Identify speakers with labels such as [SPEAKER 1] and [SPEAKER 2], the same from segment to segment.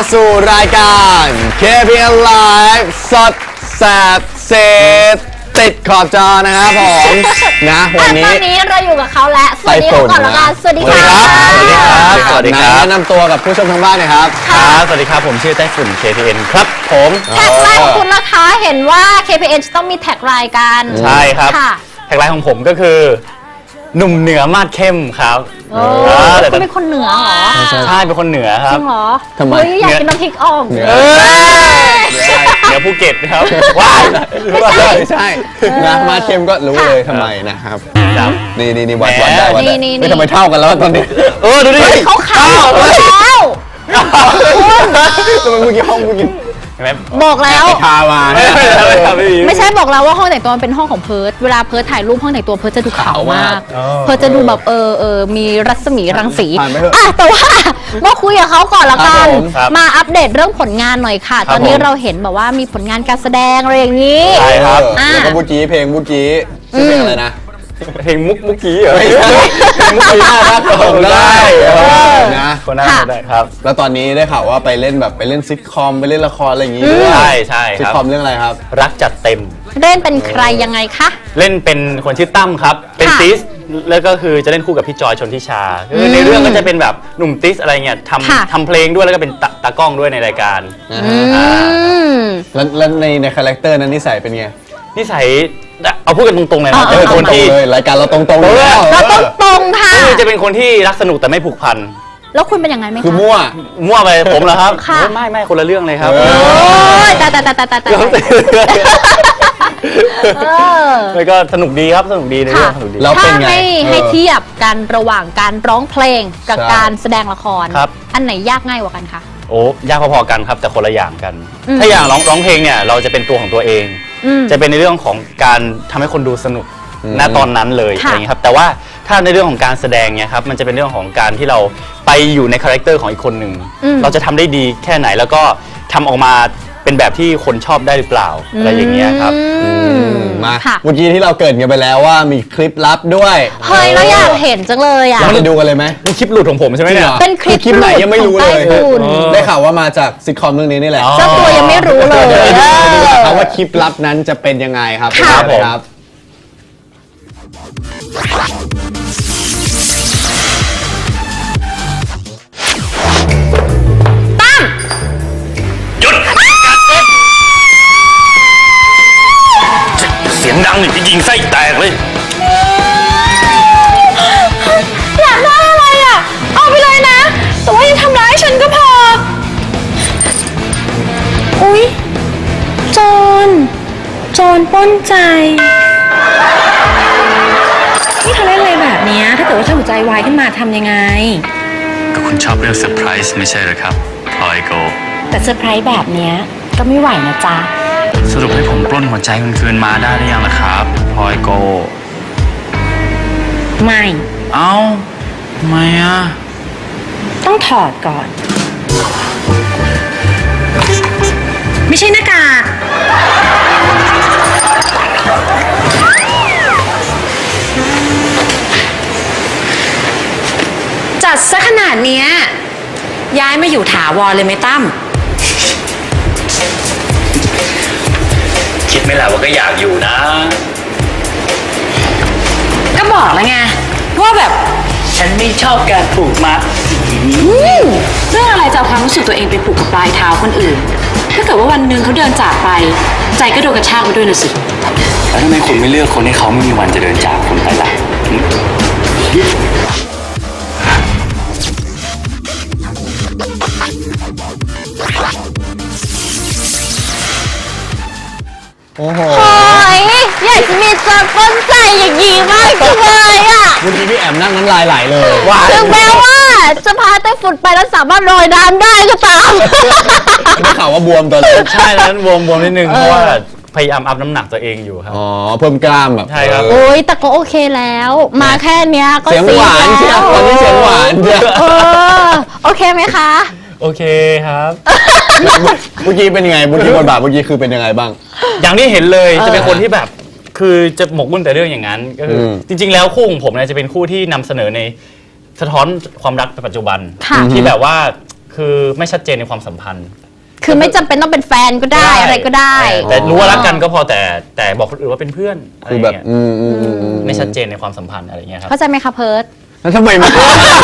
[SPEAKER 1] สู่รายการ KPN Live สดแสบเซติดขอบจอนะครับผมนะวันนี้
[SPEAKER 2] ตอนนี้เราอยู่กับเขาแล้วสวัสดีก่อนละกันสวัสดีครับ
[SPEAKER 1] สวัสดีครับสวัสดีครับแนะนำตัวกับผู้ชมทางบ้านหน่อยครับ
[SPEAKER 3] ครับสวัสดีครับผมชื่อไต้ฝุ่น KPN ครับผม
[SPEAKER 2] แท็กไลน์ของคุณราคาเห็นว่า KPN จะต้องมีแท็กไลน์กัน
[SPEAKER 3] ใช่ครับ
[SPEAKER 2] ค่ะ
[SPEAKER 3] แท็กไลน์ของผมก็คือหนุ่มเหนือมาดเข้มครับ
[SPEAKER 2] แต่คุณเป็นคนเหนือเหรอ
[SPEAKER 3] ใช่เป็นคนเหนือค
[SPEAKER 2] จ
[SPEAKER 3] รับ
[SPEAKER 2] ริงเหรอ
[SPEAKER 1] ทำไม
[SPEAKER 2] เฮ้ยอยากกินน้ำพริกอ่อง
[SPEAKER 1] เหนือ
[SPEAKER 3] เหนือภูเก็ตครับว้าว
[SPEAKER 1] ใช่นะมาเข้มก็รู้เลยทำไมนะครับ
[SPEAKER 3] ครับ
[SPEAKER 1] นี่วัดได้วัดได้
[SPEAKER 2] นี่
[SPEAKER 1] ไม่ทำไมเท่ากันแล้วตอนนี้
[SPEAKER 3] ดูดิ
[SPEAKER 2] เขาขาวแล้ว
[SPEAKER 1] ทำไมเมื่อกี้ห้องเมื่อกี้
[SPEAKER 3] เห็นไหม
[SPEAKER 2] บอกแล้ว
[SPEAKER 1] ไปทามา
[SPEAKER 2] ไม่ใช่บอกแล้วว่าห้องแต่งตัวมันเป็นห้องของเพิร์ดเวลาเพิร์ดถ่ายรูปห้องแต่งตัวเพิร์ดจะดูขาวมาก เพิร์ดจะดูแบบมีรัศมีรังสีแต่ว่ามาคุยกับเขาก่อนละกันมาอัปเดตเรื่องผลงานหน่อยค่ะ ตอนนี้เราเห็นแบบว่ามีผลงานการแสดงอะไรอย่างนี้
[SPEAKER 3] ใช่ครับ
[SPEAKER 1] แล้วก็เมื่อกี้เพลงเมื่อกี้ชื่อเพลงอะไรนะ
[SPEAKER 3] เพลงมุกกี้เหรอ
[SPEAKER 1] ไม่ใช่มุกกี้น่ารักผมได้นะ
[SPEAKER 3] คนน่าได้ครับ
[SPEAKER 1] แล้วตอนนี้ได้ข่าวว่าไปเล่นแบบไปเล่นซิทคอมไปเล่นละครอะไรอย่างงี้ด้วย
[SPEAKER 3] ใช่
[SPEAKER 1] ซิท
[SPEAKER 3] ครับ
[SPEAKER 1] คอมเรื่องอะไรครับ
[SPEAKER 3] รักจัดเต็ม
[SPEAKER 2] เล่นเป็นใครยังไงคะ
[SPEAKER 3] เล่นเป็นคนชื่อตั้มครับ เป็น
[SPEAKER 2] ค่ะ
[SPEAKER 3] ติสแล้วก็คือจะเล่นคู่กับพี่จอยชนทิชาคือในเรื่องก็จะเป็นแบบหนุ่มติสอะไรเงี้ย
[SPEAKER 2] ค่ะ
[SPEAKER 3] ทำเพลงด้วยแล้วก็เป็นตากล้องด้วยในรายการ
[SPEAKER 2] อืม
[SPEAKER 1] แล้วในคาแรคเตอร์นั้นนิสัยเป็นไง
[SPEAKER 3] นิสัยเอาพูดกันตรงๆเลยนะ
[SPEAKER 2] เออ
[SPEAKER 3] เป็นคน
[SPEAKER 1] ตรง
[SPEAKER 3] ที่
[SPEAKER 1] เลยรายการเราตรงๆเลยแล้ว
[SPEAKER 2] เราต้องตรงค่ะ
[SPEAKER 3] คือจะเป็นคนที่รักสนุกแต่ไม่ผูกพัน
[SPEAKER 2] แล้วคุณเป็นยังไงไหมคะ
[SPEAKER 1] คือมั่ว
[SPEAKER 3] มั่วไปผมเหรอครับ
[SPEAKER 2] ค่ะ
[SPEAKER 3] ไม่คนละเรื่องเลยครับ
[SPEAKER 1] เอ
[SPEAKER 2] โอ้ยแต่
[SPEAKER 3] แล้วก็สนุกดีครับสนุกดีในเรื่องสนุกดี
[SPEAKER 1] แล้ว
[SPEAKER 2] ถ้า
[SPEAKER 1] เป็นไง
[SPEAKER 2] ให้เทียบกันระหว่างการร้องเพลงกับ
[SPEAKER 1] ใช่
[SPEAKER 2] การแสดงละคร
[SPEAKER 3] ครับ
[SPEAKER 2] อันไหนยากง่ายกว่ากันคะ
[SPEAKER 3] โอ้ยากพอๆกันครับแต่คนละอย่างกัน
[SPEAKER 2] อืม
[SPEAKER 3] ถ้าอย่างร้องเพลงเนี่ยเราจะเป็นตัวของตัวเอง
[SPEAKER 2] อืม
[SPEAKER 3] จะเป็นในเรื่องของการทำให้คนดูสนุกณตอนนั้นเลย
[SPEAKER 2] ค่ะ
[SPEAKER 3] อะไรอย่างนี้ครับแต่ว่าถ้าในเรื่องของการแสดงเนี่ยครับมันจะเป็นเรื่องของการที่เราไปอยู่ในคาแรคเตอร์ของอีกคนหนึ่งเราจะทำได้ดีแค่ไหนแล้วก็ทำออกมาเป็นแบบที่คนชอบได้หรือเปล่าอะไรอย่างเงี้ยครับ
[SPEAKER 1] มา
[SPEAKER 2] ค่ะ
[SPEAKER 1] เมื่อกี้ที่เราเกริดกันไปแล้วว่ามีคลิปลับด้วย
[SPEAKER 2] เฮ้ยเราอยากเห็นจังเลยอ่ะ
[SPEAKER 1] เราจะดูกันเลยไหม
[SPEAKER 3] นี่คลิปหลุดของผมใช่ไหมเนี่ย
[SPEAKER 2] เป็นคลิป
[SPEAKER 1] คลิปไหนยังไม่รู้เลย
[SPEAKER 2] ของไต้ฝุ่น
[SPEAKER 1] ได้ข่าวว่ามาจากซิทคอมเรื่องนี้นี่แหละ
[SPEAKER 3] อ๋อ
[SPEAKER 2] เจ้าตัวยังไม่รู้เลย
[SPEAKER 1] เดี๋ยวดู
[SPEAKER 2] เออ
[SPEAKER 1] นะครับว่าคลิปลับนั้นจะเป็นยังไงครับ
[SPEAKER 2] ค่ะ
[SPEAKER 1] ไปดูเลยครับ
[SPEAKER 4] เสียงดังนี่จะยิงไส้แตกเลย
[SPEAKER 2] อยากได้อะไรอ่ะ เอาไปเลยนะ แต่ว่ายังทำร้ายฉันก็พอ อุ๊ย โจรปล้นใจ
[SPEAKER 5] นี่เธอเล่นอะไรแบบเนี้ยถ้าเกิดว่าฉันหัวใจวายขึ้นมาทำยังไง
[SPEAKER 4] ก็คุณชอบเรื่องเซอร์ไพรส์ไม่ใช่เหรอครับพลอยโก
[SPEAKER 5] แต่เซอร์ไพรส์แบบเนี้ยก็ไม่ไหวนะจ๊ะ
[SPEAKER 4] สรุปให้ผมปล้นหัวใจคุณคืนมาได้หรือยังล่ะครับพลอยโก
[SPEAKER 5] ไม่
[SPEAKER 4] เอ้าทำไมอ่ะ
[SPEAKER 5] ต้องถอดก่อน ไม่ใช่หน้ากากจัดซะขนาดเนี้ยย้ายมาอยู่ถาวรเลยไหมตั้ม
[SPEAKER 4] คิดไม่แหละว่าก็อยากอยู่นะ
[SPEAKER 5] ก็บอกแล้วไงว่าแบบ
[SPEAKER 4] ฉันไม่ชอบการผูกมัด
[SPEAKER 5] เรื่องอะไรจะเอาความรู้สึกตัวเองไปผูกกับปลายเท้าคนอื่น ถ้าเกิดว่าวันหนึ่งเขาเดินจากไป ใจก็โดนกระชากไปด้วยนะสิ
[SPEAKER 4] แล้วทำไมคุณไม่เลือกคนที่เขาไม่มีวันจะเดินจากคุณไปล่ะ
[SPEAKER 1] โอ้โห
[SPEAKER 2] โอ้ยอยากจะมีโจรปล้นใจอย่างนี้มากจังเลยอ่ะ
[SPEAKER 1] เมื่อกี้พี่แอมนั่งน้ำลายไหลเลย
[SPEAKER 2] ถึงแม้ว่าจะพาไต้ฝุ่นไปแล้วสามารถลอยน้ำได้ก็ตาม
[SPEAKER 1] ได้ข่าวว่าบวมตอนนี้
[SPEAKER 3] ใช่แล้วนั้นบวมนิดนึงเพราะว่าพยายามอัพน้ำหนักตัวเองอยู่ครับ
[SPEAKER 1] อ๋อเพิ่มกล้ามแบบ
[SPEAKER 3] ใช่ครับ
[SPEAKER 2] โอ้ยแต่ก็โอเคแล้ว มาแค่เนี้ยก็
[SPEAKER 1] เสียงหวานเชียวตอนนี้เสียงหวานเชียว
[SPEAKER 2] เออโอเคไหมคะ
[SPEAKER 3] โอเคครับ
[SPEAKER 1] เมื่อกี้เป็นยังไงเมื่อกี้บทบาทเมื่อกี้คือเป็นยังไงบ้าง
[SPEAKER 3] อย่างที่เห็นเลยจะเป็นคนที่แบบคือจะหมกมุ่นแต่เรื่องอย่างนั้นก็คืออ
[SPEAKER 1] ม
[SPEAKER 3] จริง ๆ แล้วคู่ของผมเนี่ยจะเป็นคู่ที่นำเสนอในสะท้อนความรักในปัจจุบัน
[SPEAKER 2] ค่ะ
[SPEAKER 3] ที่แบบว่าคือไม่ชัดเจนในความสัมพันธ์
[SPEAKER 2] คือไม่จำเป็นต้องเป็นแฟนก็ได้อะไรก็ได้
[SPEAKER 3] แต่รู้ว่ารักกันก็พอแต่บอกคนอื่นว่าเป็นเพื่อนอะไร
[SPEAKER 1] คือ
[SPEAKER 3] อ
[SPEAKER 1] แบ
[SPEAKER 3] ย่าง
[SPEAKER 1] บ
[SPEAKER 3] เงี้ยไม่ชัดเจนในความสัมพันธ์อะไรอย่างเงี้ยครับ
[SPEAKER 2] เข้าใจไหมคะเพิร์ด
[SPEAKER 1] แล้วทำไมมัน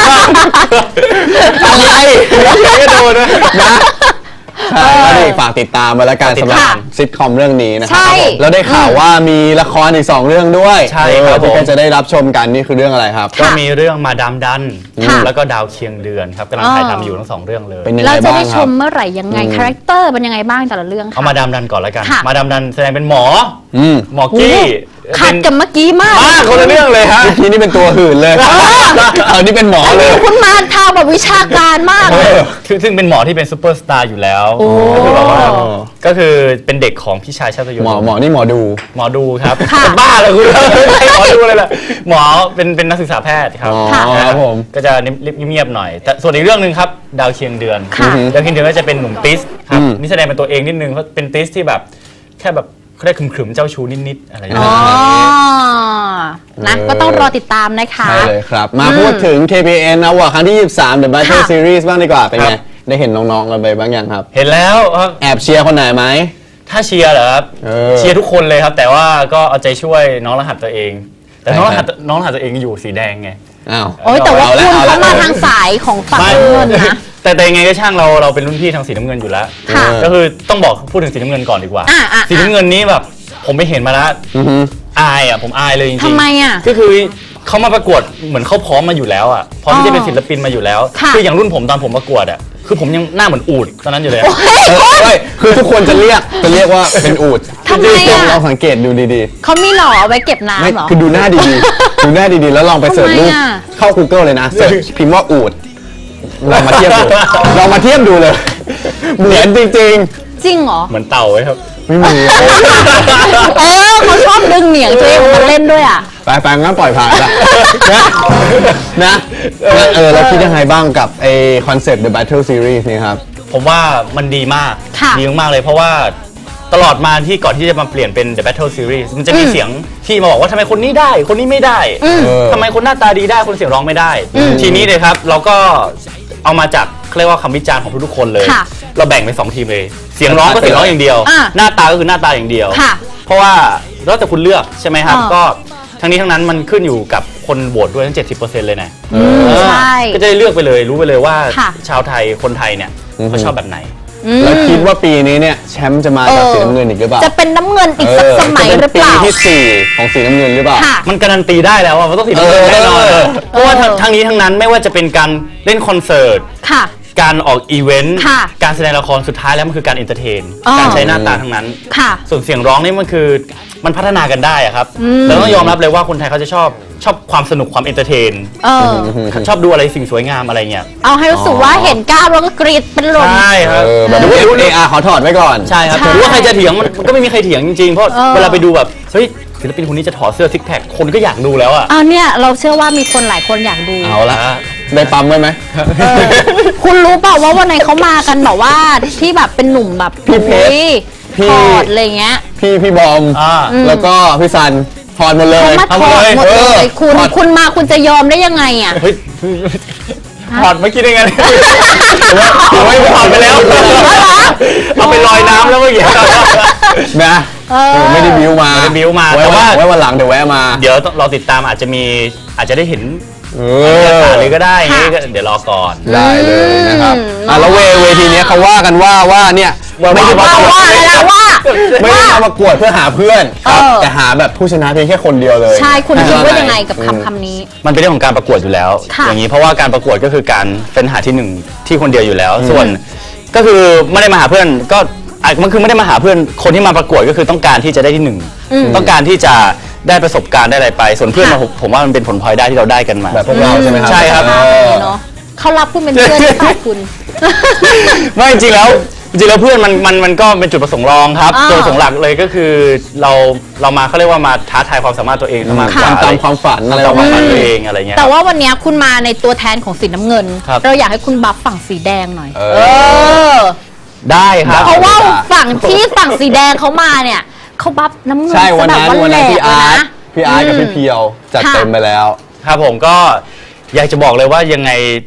[SPEAKER 1] อะไรไม่โดนนะใช่ก็นี่ฝากติดตามมาแล้วกันสำหรับซิทคอมเรื่องนี้นะครั
[SPEAKER 2] ใช่
[SPEAKER 1] แล้วได้ข่าวว่ามีละครอีก2เรื่องด้วย
[SPEAKER 3] ใช่ครับ
[SPEAKER 1] ที่
[SPEAKER 3] ผม
[SPEAKER 1] จะได้รับชมกันนี่คือเรื่องอะไรครับ
[SPEAKER 3] ก็มีเรื่องมาดามดัน
[SPEAKER 2] ค่ะ
[SPEAKER 3] แล้วก็ดาวเคียงเดือนครับกำลังถ่ายทำอยู่ทั้ง2เรื่องเลย
[SPEAKER 1] เป็นยังไง
[SPEAKER 2] เราจะ
[SPEAKER 1] บ้าง
[SPEAKER 2] ได้
[SPEAKER 1] ค
[SPEAKER 2] ช
[SPEAKER 1] รับ
[SPEAKER 2] มเมื่อไหร่ยังไงคาแรคเตอร์เป็นยังไงบ้างแต่ละเรื่อง
[SPEAKER 3] เอา
[SPEAKER 2] ค่ะ
[SPEAKER 3] มาดามดันก่อนแล้วกัน
[SPEAKER 2] ค่ะ
[SPEAKER 3] มาดามดันแสดงเป็นหมอ หมอ
[SPEAKER 2] โอ้
[SPEAKER 3] กี้
[SPEAKER 2] ขัดกับเมื่อกี้มาก
[SPEAKER 3] มากคนละเรื่องเลยฮะ
[SPEAKER 1] เมื่อกี้นี่เป็นตัวหื่นเลยเอานี่เป็นหมอเลย
[SPEAKER 2] คุณมาทางแบบวิชาการมากเลย
[SPEAKER 3] ซึ่งเป็นหมอที่เป็นซูเปอร์สตาร์อยู่แล้ว
[SPEAKER 2] โอ้
[SPEAKER 3] ก็คือแบบว่าก็คือเป็นเด็กของพี่ชายชาตยศ
[SPEAKER 1] หมอนี่หมอดู
[SPEAKER 3] หมอดูครับ
[SPEAKER 2] ค่ะ
[SPEAKER 3] จะบ้าเลยคุณไม่ใช่หมอดูเลยล่ะหมอเป็นนักศึกษาแพทย์ครับ
[SPEAKER 1] อ๋อ
[SPEAKER 2] ค่ะ
[SPEAKER 1] ครับผม
[SPEAKER 3] ก็จะเงียบๆหน่อย แต่ส่วนอีกเรื่องหนึ่งครับดาวเคียงเดือน
[SPEAKER 2] ค่ะ
[SPEAKER 3] ดาวเคียงเดือนก็จะเป็นหนุ่มติสครับนี่แสดงเป็นตัวเองนิดนึงเพราะเป็นติสที่แบบแค่แบบเขาได้ขรึมๆเจ้าชู้นิดๆอะไรอย่าง
[SPEAKER 2] อ๋
[SPEAKER 3] เงี้
[SPEAKER 2] อย นะก็ต้องรอติดตามนะคะ
[SPEAKER 1] ใช่เลยครับ มาพูดถึง KPN Award ครั้งที่ 23 The Battle
[SPEAKER 2] ค่ะ
[SPEAKER 1] Series บ้างดีกว่า เป็นไง ได้เห็นน้องๆกันไปบ้างยังครับ
[SPEAKER 3] เห็นแล้วครับ
[SPEAKER 1] แอบเชียร์คนไหนไหม
[SPEAKER 3] ถ้าเชียร์เหรอครับ เชียร์ทุกคนเลยครับ แต่ว่าก็เอาใจช่วยน้องรหัสตัวเอง แต่น้องรหัสตัวเองอยู่สีแดงไง
[SPEAKER 1] อ้าว
[SPEAKER 2] โอ้ยแต่ว่า
[SPEAKER 1] เอา
[SPEAKER 2] คุ
[SPEAKER 1] ละ
[SPEAKER 2] ณ
[SPEAKER 1] เอาละ
[SPEAKER 2] เขามาทางสายของฝั่งน้ำเงินนะ
[SPEAKER 3] แต่ยังไงก็ช่างเราเป็นรุ่นพี่ทางสีน้ำเงินอยู่แล้ว
[SPEAKER 2] ค่ะ
[SPEAKER 3] ก็คือต้องบอกพูดถึงสีน้ำเงินก่อนดีกว่า
[SPEAKER 2] อ่ะ
[SPEAKER 3] สีน้ำเงินนี้แบบผมไปเห็นมาแล้ว
[SPEAKER 1] อือฮึ
[SPEAKER 3] อายอ่ะผมอายเลยจริงๆ
[SPEAKER 2] ทำไมอ่ะ
[SPEAKER 3] ก็คือเขามาประกวดเหมือนเขาพร้อมมาอยู่แล้วอ่ะพร้อมที่จะเป็นศิลปินมาอยู่แล้ว
[SPEAKER 2] ค่ะ
[SPEAKER 3] คืออย่างรุ่นผมตอนผมประกวดอ่ะคือผมยังหน้าเหมือนอูฐตอนนั้นอยู่เลยอะ
[SPEAKER 1] เฮ้ยคือทุกคนจะเรียกว่าเป็นอูด
[SPEAKER 2] ทำไมอะ
[SPEAKER 1] ลองสังเกตดูดี
[SPEAKER 2] เขามีหล่อเอาไว้เก็บ
[SPEAKER 1] ๆ ไม่
[SPEAKER 2] น้ำเหรอ
[SPEAKER 1] คือดูหน้าดีๆ ดูหน้าดีๆ แล้วลองไปเสิร์ชรูป
[SPEAKER 2] ทำไมอะ
[SPEAKER 1] เข้า Google เลยนะเสิร์ชพิมพ์ว่าอูดลองมาเทียบดูลองมาเทียบดูเลย เหมือนจริง
[SPEAKER 2] จริงเหรอ
[SPEAKER 3] เหมือนเต่าไว้ครับ
[SPEAKER 1] ๆ ไม่มี
[SPEAKER 2] เขาชอบดึงเหนียงตัวเองมาเล่นด้วยอ่ะ
[SPEAKER 1] ไปงั้นปล่อยผ่านละนะเราคิดยังไงบ้างกับไอคอนเซปต์ The Battle Series นี่ครับ
[SPEAKER 3] ผมว่ามันดีมาก
[SPEAKER 2] ค่ะ
[SPEAKER 3] ดีมากๆเลยเพราะว่าตลอดมาที่ก่อนที่จะมาเปลี่ยนเป็น The Battle Series มันจะมีเสียงที่มาบอกว่าทำไมคนนี้ได้คนนี้ไม่ได้ทำไมคนหน้าตาดีได้คนเสียงร้องไม่ได้ ทีนี้เลยครับเราก็เอามาจากเขาเรียกว่าคำวิจารณ์ของทุกๆคนเลย
[SPEAKER 2] ค่ะ
[SPEAKER 3] เราแบ่งเป็น2ทีมเลย เสียงร้องก็เสียงร้องอย่างเดียว
[SPEAKER 2] อ่ะ
[SPEAKER 3] หน้าตาก็คือหน้าตาอย่างเดียว
[SPEAKER 2] ค่ะ
[SPEAKER 3] เพราะว่าแล้วแต่คุณเลือกใช่ไหมครับ
[SPEAKER 2] อ่า
[SPEAKER 3] ก็ทั้งนี้ทั้งนั้นมันขึ้นอยู่กับคนโหวตด้วยทั้ง 70%เลยนะ
[SPEAKER 2] ใช่
[SPEAKER 3] ก็จะได้เลือกไปเลยรู้ไปเลยว่า
[SPEAKER 2] ค่ะ
[SPEAKER 3] ชาวไทยคนไทยเนี่ยเขาชอบแบบไหน
[SPEAKER 1] แล้วคิดว่าปีนี้เนี่ยแชมป์จะมาจากสีน้ำเงินอีกหรือเปล่า
[SPEAKER 2] จะเป็นน้ำเงินอีกสักสมัยหรือเปล่า
[SPEAKER 1] จะนปีที่ 4 ของสีน้ำเงินหรือเปล่า
[SPEAKER 2] ค่ะ
[SPEAKER 3] มันการันตีได้แล้วว่ามันต้องสีน้ำเงินแน่นอน เพราะว่าทั้งนี้ทั้งนั้นไม่ว่าจะเป็นการเล่นคอนเสิร์ต
[SPEAKER 2] ค่ะ
[SPEAKER 3] การออกอีเวนต์
[SPEAKER 2] ค่ะ
[SPEAKER 3] การแสดงละครสุดท้ายแล้วมันคือการเอนเตอร์เทน
[SPEAKER 2] อ๋อ
[SPEAKER 3] การใช้หน้าตาทั้งนั้น
[SPEAKER 2] ค่ะ
[SPEAKER 3] ส่วนเสียงร้องนี่มันคือมันพัฒนากันได้อะครับเราต้องยอมรับเลยว่าคนไทยเขาจะชอบความสนุกความเอนเตอร์เทน
[SPEAKER 2] เออ
[SPEAKER 3] ชอบดูอะไรสิ่งสวยงามอะไรเงี้ย
[SPEAKER 2] เอาให้รู้สึกว่าเห็นกล้ามแล้วก็กรีดเป็นลม
[SPEAKER 3] ใช่ครับ
[SPEAKER 1] แบบ
[SPEAKER 3] หรือว่า
[SPEAKER 1] AR ขอถอดไว้ก่อน
[SPEAKER 3] ใช่ครับ
[SPEAKER 2] ใช่
[SPEAKER 3] หรือว่าใครจะเถียงมันก็ไม่มีใครเถียงจริงๆเพราะ
[SPEAKER 2] เออ
[SPEAKER 3] เวลาไปดูแบบเฮ้ยศิลปินคนนี้จะถอดเสื้อซิกแพคคนก็อยากดูแล้วอะ
[SPEAKER 2] เอาเนี่ยเราเชื่อว่ามีคนหลายคนอยากดู
[SPEAKER 1] เอาละได้ปั๊มไว้ไหม
[SPEAKER 2] คุณรู้เปล่าว่าวันไหนเขามากันแบบว่าที่แบบเป็นหนุ่มแบบ
[SPEAKER 1] พี่เพชร
[SPEAKER 2] อุ๊ย
[SPEAKER 1] พี่
[SPEAKER 2] ถอดอะไรเงี้ย
[SPEAKER 1] พี่บอม แล้วก็พี่ซันถอดหมดเลย
[SPEAKER 2] เขามาถอดหมดเล
[SPEAKER 1] เออย ถอด
[SPEAKER 2] คุณมาคุณจะยอมได้ยังไงอ่ะ
[SPEAKER 3] เฮ้ยถอดเมื่อกี้ได้ไงถือว่าถอดไปแล้ว เอาไปลอยน้ำแล้วเมื่อกี้
[SPEAKER 1] นะ
[SPEAKER 2] เออ
[SPEAKER 1] ไม่ได้บิ้วมา
[SPEAKER 3] ไม่ได้บิ้วมา
[SPEAKER 1] ไว้
[SPEAKER 3] แต่ว่า
[SPEAKER 1] ไว้วันหลังเดี๋ยวแวะมา
[SPEAKER 3] เดี๋ยวเราติดตามอาจจะได้เห็น
[SPEAKER 1] เอ
[SPEAKER 3] เลยก็ได้
[SPEAKER 2] ค่ะ
[SPEAKER 3] งี้ก็เดี๋ยวรอก่อน
[SPEAKER 1] ได้เลยนะครับแล้วเวทีเนี้ยเขาว่ากันว่าเนี่ยไม่ได้มา
[SPEAKER 2] ว่าอะไรนะว่า
[SPEAKER 1] ไม่ได้มาประกวดเพื่อหาเพื่อนครับ
[SPEAKER 2] เออ
[SPEAKER 1] แต่หาแบบผู้ชนะเพียงแค่คนเดียวเลย
[SPEAKER 2] ใช่คุณคิดว่ายังไงกับคำนี้
[SPEAKER 3] มันเป็นเรื่องของการประกวดอยู่แล้ว
[SPEAKER 2] ค่ะ
[SPEAKER 3] อย่างนี้เพราะว่าการประกวดก็คือการเป็นหาที่หนึ่งที่คนเดียวอยู่แล้ว ส่วนก็คือไม่ได้มาหาเพื่อนก็มันคือไม่ได้มาหาเพื่อนคนที่มาประกวดก็คือต้องการที่จะได้ที่หนึ่งต้องการที่จะได้ประสบการณ์ได้อะไรไป ส่วนเพื่อน
[SPEAKER 2] ค่ะ
[SPEAKER 3] ผมว่ามันเป็นผลพลอยได้ที่เราได้กันมา
[SPEAKER 1] แบบพวกเราใช่ไหมครับ
[SPEAKER 3] ใช่ครับ
[SPEAKER 1] เออ
[SPEAKER 2] เนาะเขารับคุณเป็นเพื่อนหรือเปล่าคุณ
[SPEAKER 3] ไม่จริงๆแล้วเพื่อนมันก็เป็นจุดประสงค์รองครับ
[SPEAKER 2] อ่า
[SPEAKER 3] จุดประสงค์หลักเลยก็คือเรามาเขาเรียกว่ามาท้าทายความสามารถตัวเองมากกว่า
[SPEAKER 1] ตามความฝันอะไร
[SPEAKER 3] ตามความฝัน
[SPEAKER 1] ประมาณ
[SPEAKER 3] ตัว
[SPEAKER 1] นี้
[SPEAKER 3] เองอะไรเงี้ย
[SPEAKER 2] แต่ว่าวันนี้คุณมาในตัวแทนของสีน้ำเงิน
[SPEAKER 3] ครับ
[SPEAKER 2] เราอยากให้คุณบัฟฝั่งสีแดงหน่อย
[SPEAKER 1] เอ
[SPEAKER 2] เออ
[SPEAKER 3] ได้ครับ
[SPEAKER 2] เพราะว่าฝั่งที่ฝั่งสีแดงเขามาเนี่ยเขาบัฟน้ำเงิน
[SPEAKER 1] ใช่วัน
[SPEAKER 2] ซะ
[SPEAKER 1] นั้น
[SPEAKER 2] แบบ
[SPEAKER 1] วัน
[SPEAKER 2] แหล
[SPEAKER 1] นั้น
[SPEAKER 2] ก
[SPEAKER 1] พี่
[SPEAKER 2] เลย
[SPEAKER 1] อาร์ต
[SPEAKER 2] นะ
[SPEAKER 1] กับพี่เพียวจัด
[SPEAKER 2] ค่ะ
[SPEAKER 1] เต็มไปแล้ว
[SPEAKER 3] ครับผมก็อยากจะบอกเลยว่ายังไง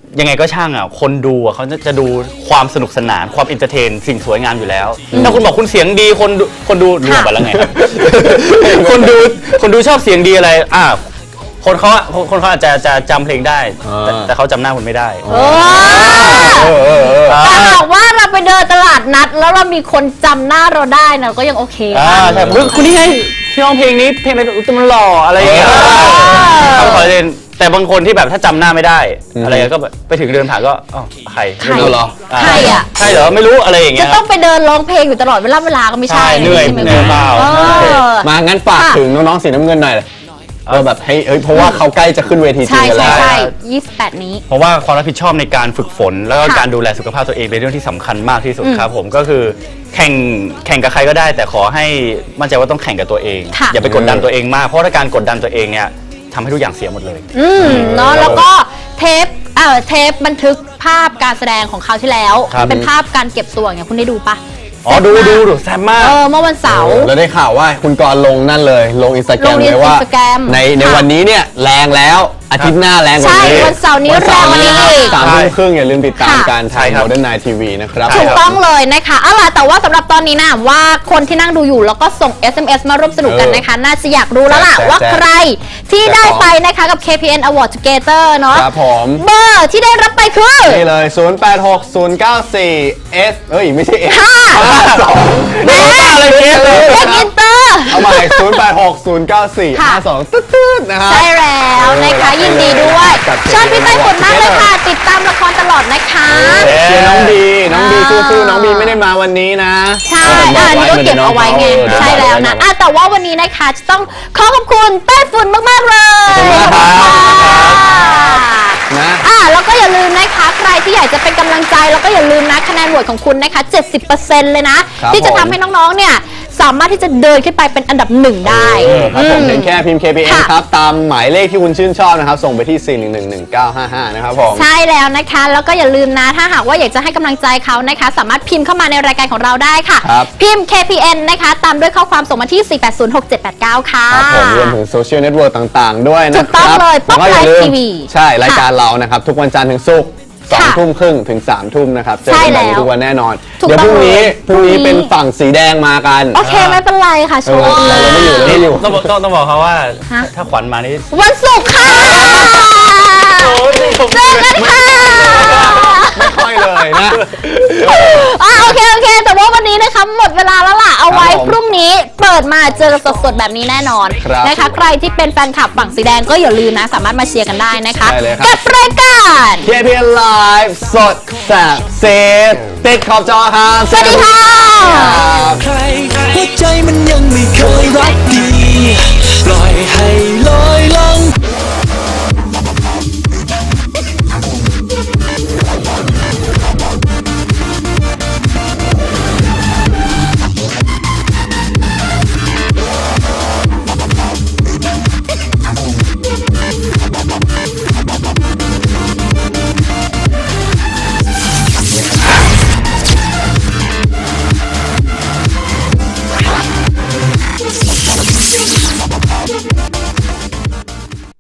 [SPEAKER 3] ยังไงก็ช่างอ่ะคนดูอ่ะเขาจะดูความสนุกสนานความเอนเตอร์เทนสิ่งสวยงามอยู่แล้วถ้าคุณบอกคุณเสียงดีคนดูรวมไปแล้วไงครับ คนดูชอบเสียงดีอะไรคนเขาอาจจะจำเพลงได้ แต่เขาจำหน้าคุณไม่ได้
[SPEAKER 2] แต่หากว่าเราไปเดินตลาดนัดแล้วเรามีคนจำหน้าเราได้นะก็ยังโอเค
[SPEAKER 3] ใช่คุณนี่ไงที่ร้องเพลงนี้เพลงอะไรมันหล่ออะไรอย่างเงี้ยเขาขอเล่นแต่บางคนที่แบบถ้าจำหน้าไม่ได้อะไรก็แบบไปถึงเดินผ่านก็ใคร
[SPEAKER 2] ใคร
[SPEAKER 1] เหรอ
[SPEAKER 2] ใครอ่ะ
[SPEAKER 3] ใช่เหรอไม่รู้อะไรอย่างเงี้
[SPEAKER 2] จะ
[SPEAKER 3] ย
[SPEAKER 2] ต้องไปเดินร้องเพลงอยู่ตลอดเวลาก็ไม่ใช่
[SPEAKER 3] ใช่เหนื่อย
[SPEAKER 2] ใช่ไหม
[SPEAKER 3] เหนื่อยเปล่า
[SPEAKER 1] มางั้นฝากถึงน้องๆสีน้ำเงินหน่อยแบบให้เพราะว่าเขาใกล้จะขึ้นเวทีจริ
[SPEAKER 2] ใช่
[SPEAKER 1] งกัน
[SPEAKER 2] ใช่
[SPEAKER 1] แล้ว
[SPEAKER 2] ใช่28 นี้
[SPEAKER 3] เพราะว่าความรับผิดชอบในการฝึกฝน แล้วก็
[SPEAKER 2] ค่ะ
[SPEAKER 3] การดูแลสุขภาพตัวเองเป็นเรื่องที่สำคัญมากที่สุดครับผมก็คือแข่งกับใครก็ได้ แต่ขอให้มั่นใจว่าต้องแข่งกับตัวเอง
[SPEAKER 2] ค่ะ
[SPEAKER 3] อย่าไปกดดันตัวเองมากเพราะถ้าการกดดันตัวเองเนี่ยทำให้ทุกอย่างเสียหมดเลย
[SPEAKER 2] เนาะแล้วก็เทปบันทึกภาพการแสดงของคราวที่แล้ว
[SPEAKER 3] ครับ
[SPEAKER 2] เป็นภาพการเก็บตัวไงคุณได้ดูปะ
[SPEAKER 3] อ๋อดูแซ่บมาก
[SPEAKER 2] เมื่อวันเสาร์
[SPEAKER 1] แล้วได้ข่าวว่าคุณกรณ์ลงนั่นเลยลงอินสตาแกรม
[SPEAKER 2] ลงใน
[SPEAKER 1] เลยว่า
[SPEAKER 2] Instagram
[SPEAKER 1] ใน
[SPEAKER 2] ค่ะ
[SPEAKER 1] วันนี้เนี่ยแรงแล้วอาทิตย์หน้าแรงกว่า
[SPEAKER 2] ใช่
[SPEAKER 1] นี้
[SPEAKER 2] วันเสาร์นี้แรงกว่านี้อีก
[SPEAKER 1] 3 ทุ่มครึ่งอย่าลืมติดตาม
[SPEAKER 2] ค่ะ
[SPEAKER 1] การถ่าย
[SPEAKER 3] ใช่ครับ
[SPEAKER 1] Modern Night TV นะครับ
[SPEAKER 2] ถูกต้องเลยนะคะเอาล่ะแต่ว่าสำหรับตอนนี้นะว่าคนที่นั่งดูอยู่แล้วก็ส่ง SMS มาร่วมสนุกกันนะคะ น่าจะอยากรู้แล้วล่ะ
[SPEAKER 1] แจก
[SPEAKER 2] ว่าใครที่ได้ไปนะคะกับ KPN Award Together เนาะ
[SPEAKER 1] ครับผม
[SPEAKER 2] เบอร์ที่ได้รับไปคือ
[SPEAKER 1] นี่เลย 086094 S เอ้ยไม่ใช่ S
[SPEAKER 2] ค่ะ
[SPEAKER 1] 52
[SPEAKER 2] แม่
[SPEAKER 1] อะไรเงี้ยเลย
[SPEAKER 2] เด็กอินเตอร์
[SPEAKER 1] เอาใหม่086094
[SPEAKER 2] ค่ะ
[SPEAKER 1] 52ตื้อๆนะครับ
[SPEAKER 2] ใช่แล้วนะคะยินดีด้วย
[SPEAKER 1] จัดเต็ม
[SPEAKER 2] ชอบพี่ไต้ฝุ่นมากเลยค่ะ ติดตามละครตลอดนะคะ
[SPEAKER 1] เชียร์น้องบีสู้ๆน้องบีไม่ได้มาวันนี้นะ
[SPEAKER 2] ใช่อันนี้ก็เก็บเอาไว้ไงใช่แล้วนะแต่ว่าวันนี้นะคะจะต้องขอขอบคุณไต้ฝุ่นมากๆเลย
[SPEAKER 1] ขอบคุณมากครับ นะ
[SPEAKER 2] แล้วก็อย่าลืมนะคะใครที่อยากจะเป็นกำลังใจแล้วก็อย่าลืมนะคะแนนโหวตของคุณนะคะ 70% เลยนะ
[SPEAKER 1] ครับ
[SPEAKER 2] ที่จะ
[SPEAKER 1] ผม
[SPEAKER 2] ทำให้น้องๆเนี่ยสามารถที่จะเดินขึ้นไปเป็นอันดับหนึ่งได้
[SPEAKER 1] ครับผมเพียงแค่พิมพ์ KPN
[SPEAKER 2] ค่ะ
[SPEAKER 1] ครับ ตามหมายเลขที่คุณชื่นชอบนะครับ ส่งไปที่ 4111955 นะครับผม
[SPEAKER 2] ใช่แล้วนะคะแล้วก็อย่าลืมนะถ้าหากว่าอยากจะให้กำลังใจเขานะคะ สามารถพิมพ์เข้ามาในรายการของเราได้ค่ะ
[SPEAKER 1] ครับ
[SPEAKER 2] พิมพ์ KPN นะคะตามด้วยข้อความส่งมาที่ 4806789 ค่ะ
[SPEAKER 1] ครับผมรวมถึงโซเชียลเน็ตเวิร์กต่างๆ ด้วยนะ
[SPEAKER 2] ถูกต้อง
[SPEAKER 1] ครับ
[SPEAKER 2] เลย
[SPEAKER 1] แล้วก็อย่าลืม
[SPEAKER 2] Pop Live TV
[SPEAKER 1] ใช่รายการเรานะครับ ทุกวันจันทร์ถึงศุกร์
[SPEAKER 2] ค่ะ
[SPEAKER 1] 2 ทุ่มครึ่งถึง 3 ทุ่มนะครับ เจอกันแบบนี้ทุกวันแน่นอน
[SPEAKER 2] ถูก
[SPEAKER 1] เดี๋ยว
[SPEAKER 2] ต้
[SPEAKER 1] พ
[SPEAKER 2] อง
[SPEAKER 1] รุ่งนี้
[SPEAKER 2] เลย
[SPEAKER 1] พรุ่งนี้
[SPEAKER 2] พรุ่งนี้
[SPEAKER 1] เป็นฝั่งสีแดงมากัน
[SPEAKER 2] โอเคไม่เป็นไรค่ะโช
[SPEAKER 1] เออ
[SPEAKER 2] ว์
[SPEAKER 1] เราไม่อยู่เราไม่อยู่
[SPEAKER 3] ต้องบอกเขาว่า
[SPEAKER 2] ฮะ
[SPEAKER 3] ถ้าขวัญมานี่
[SPEAKER 2] วันศุกร์ค่ะเจอกันค่ะ
[SPEAKER 1] ไม่ค่อยเลยนะ
[SPEAKER 2] โอเคแต่ว่าวันนี้นะคะหมดเวลาแล้วล่ะเอาไว้
[SPEAKER 1] ครับผม
[SPEAKER 2] พรุ่งนี้เปิดมาเจอสดๆแบบนี้แน่นอน
[SPEAKER 1] ครับ
[SPEAKER 2] นะคะใครที่เป็นแฟนคลับฝั่งสีแดงก็อย่าลืมนะสามารถมาเชียร์กันได้นะคะ
[SPEAKER 1] ได้เลยครับ
[SPEAKER 2] กับรายการ
[SPEAKER 1] KPN Live สดแสบเซตติดขอบจอครับ
[SPEAKER 2] สวัสดีค่ะ
[SPEAKER 6] ใครหัวใจมันยังไม่เคยรักดี ปล่อยให้ลอยล่อง